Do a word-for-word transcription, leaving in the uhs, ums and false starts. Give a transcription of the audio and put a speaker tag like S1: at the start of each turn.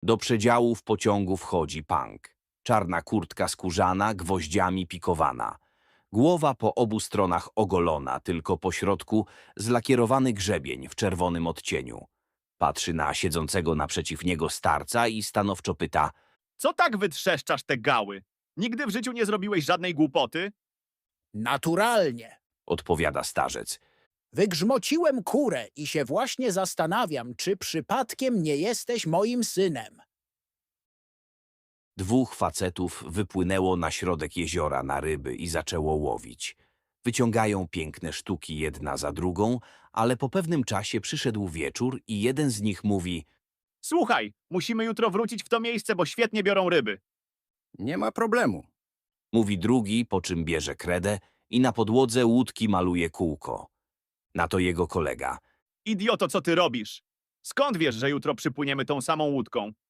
S1: Do przedziałów pociągu wchodzi Punk. Czarna kurtka skórzana, gwoździami pikowana. Głowa po obu stronach ogolona, tylko po środku zlakierowany grzebień w czerwonym odcieniu. Patrzy na siedzącego naprzeciw niego starca i stanowczo pyta:
S2: Co tak wytrzeszczasz te gały? Nigdy w życiu nie zrobiłeś żadnej głupoty?
S3: Naturalnie.
S1: odpowiada starzec.
S3: Wygrzmociłem kurę i się właśnie zastanawiam, czy przypadkiem nie jesteś moim synem.
S1: Dwóch facetów wypłynęło na środek jeziora na ryby i zaczęło łowić. Wyciągają piękne sztuki jedna za drugą, ale po pewnym czasie przyszedł wieczór i jeden z nich mówi:
S2: Słuchaj, musimy jutro wrócić w to miejsce, bo świetnie biorą ryby.
S4: Nie ma problemu.
S1: mówi drugi, po czym bierze kredę i na podłodze łódki maluje kółko. Na to jego kolega:
S2: Idioto, co ty robisz? Skąd wiesz, że jutro przypłyniemy tą samą łódką?